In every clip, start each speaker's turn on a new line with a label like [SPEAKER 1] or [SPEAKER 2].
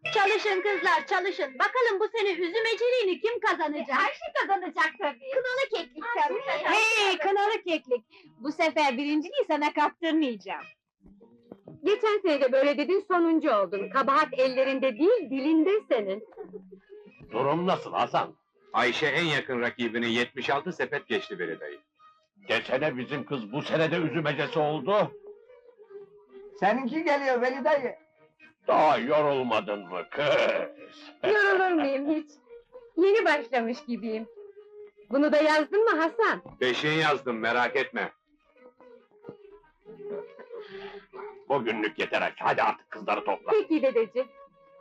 [SPEAKER 1] Çalışın kızlar, çalışın. Bakalım bu sene üzümeciliğini kim kazanacak?
[SPEAKER 2] Ayşe kazanacak tabii.
[SPEAKER 1] Kınalı keklik tabii.
[SPEAKER 2] Hey, kınalı keklik! Bu sefer birinciliği sana kaptırmayacağım. Geçen sene de böyle dedin, sonuncu oldun. Kabahat ellerinde değil, dilinde senin.
[SPEAKER 3] Durum nasıl Hasan?
[SPEAKER 4] Ayşe en yakın rakibini 76 sepet geçti Veli dayı.
[SPEAKER 3] Geçene bizim kız bu sene de üzümecesi oldu.
[SPEAKER 5] Seninki geliyor Veli dayı.
[SPEAKER 3] Daha yorulmadın mı kız?
[SPEAKER 2] Yorulur muyum hiç? Yeni başlamış gibiyim. Bunu da yazdın mı Hasan?
[SPEAKER 4] Beşiği yazdım, merak etme.
[SPEAKER 3] Bugünlük yeter aç. Hadi artık kızları topla.
[SPEAKER 2] Peki dedeciğim.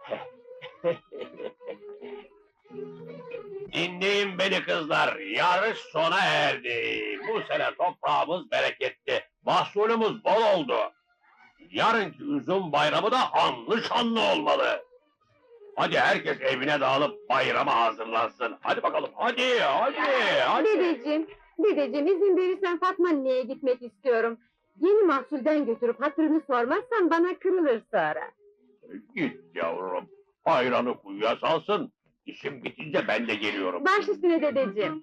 [SPEAKER 3] Dinleyin beni kızlar. Yarış sona erdi. Bu sene toprağımız bereketli. Mahsulümüz bol oldu. Yarınki üzüm bayramı da anlı şanlı olmalı. Hadi herkes evine dağılıp bayrama hazırlansın. Hadi bakalım, hadi.
[SPEAKER 2] Dedeciğim izin verirsen Fatma anneye gitmek istiyorum. Yeni mahsulden götürüp hatırını sormazsan bana kırılır sonra.
[SPEAKER 3] Git yavrum, ayranı kuyuya salsın. İşim bitince ben de geliyorum.
[SPEAKER 2] Baş üstüne dedeciğim.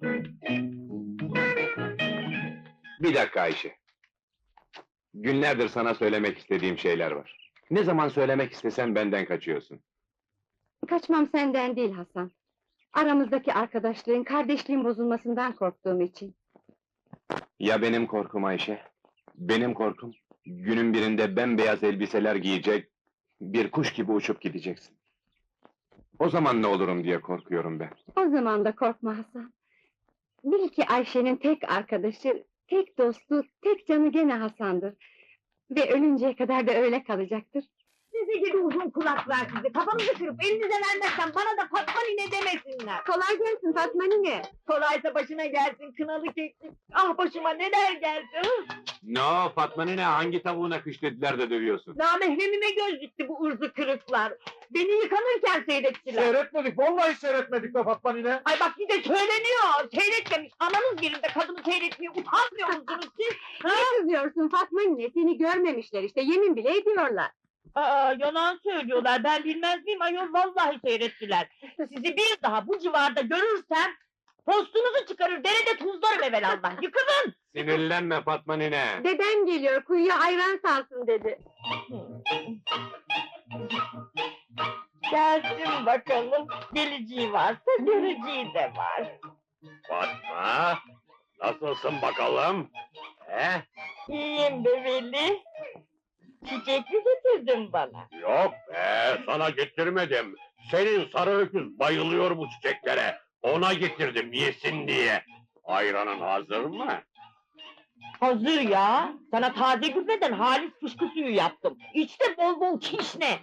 [SPEAKER 4] Bir dakika Ayşe. Günlerdir sana söylemek istediğim şeyler var. Ne zaman söylemek istesen benden kaçıyorsun.
[SPEAKER 2] Kaçmam senden değil Hasan. Aramızdaki arkadaşlığın, kardeşliğin bozulmasından korktuğum için.
[SPEAKER 4] Ya benim korkum Ayşe? Benim korkum, günün birinde bembeyaz elbiseler giyecek, bir kuş gibi uçup gideceksin. O zaman ne olurum diye korkuyorum ben.
[SPEAKER 2] O zaman da korkma Hasan. Bil ki Ayşe'nin tek arkadaşı, tek dostu, tek canı gene Hasan'dır. Ve ölünceye kadar da öyle kalacaktır.
[SPEAKER 1] Sizi gibi uzun kulaklar sizi. Kafamızı kırıp elinize vermezsem bana da Fatma nine demesinler.
[SPEAKER 2] Kolay gelsin Fatma nine.
[SPEAKER 1] Kolaysa başına gelsin kınalı keklik. Ah başıma neler geldi.
[SPEAKER 4] Ne o Fatma nene, hangi tavuğuna kış dediler de dövüyorsun?
[SPEAKER 1] Namahremime göz dikti bu ırzı kırıklar. Beni yıkanırken seyrettiler.
[SPEAKER 5] Seyretmedik, vallahi seyretmedik be Fatma nine.
[SPEAKER 1] Ay bak bir de söyleniyor. Seyretmemiş. Ananız yerinde kadını seyretmeye utanmıyor musunuz siz?
[SPEAKER 2] Ne kızıyorsun Fatma nine? Seni görmemişler işte, yemin bile ediyorlar.
[SPEAKER 1] Aa, yalan söylüyorlar. Ben bilmez miyim ayol? Vallahi seyrettiler. Sizi bir daha bu civarda görürsem postunuzu çıkarır, derede tuzlarım evelallah. Yıkılın!
[SPEAKER 4] Sinirlenme Fatma nene.
[SPEAKER 2] Dedem geliyor, kuyuya ayran salsın dedi.
[SPEAKER 1] Gelsin bakalım. Geleceği varsa göreceği de var.
[SPEAKER 3] Fatma, nasılsın bakalım? He?
[SPEAKER 1] İyiyim be Veli. Çiçek mi getirdin bana?
[SPEAKER 3] Yok be, sana getirmedim. Senin sarı öküz bayılıyor bu çiçeklere. Ona getirdim yesin diye. Ayranın hazır mı?
[SPEAKER 1] Hazır ya. Sana taze gübreden halis fışkı suyu yaptım. İç de bol bol kişne.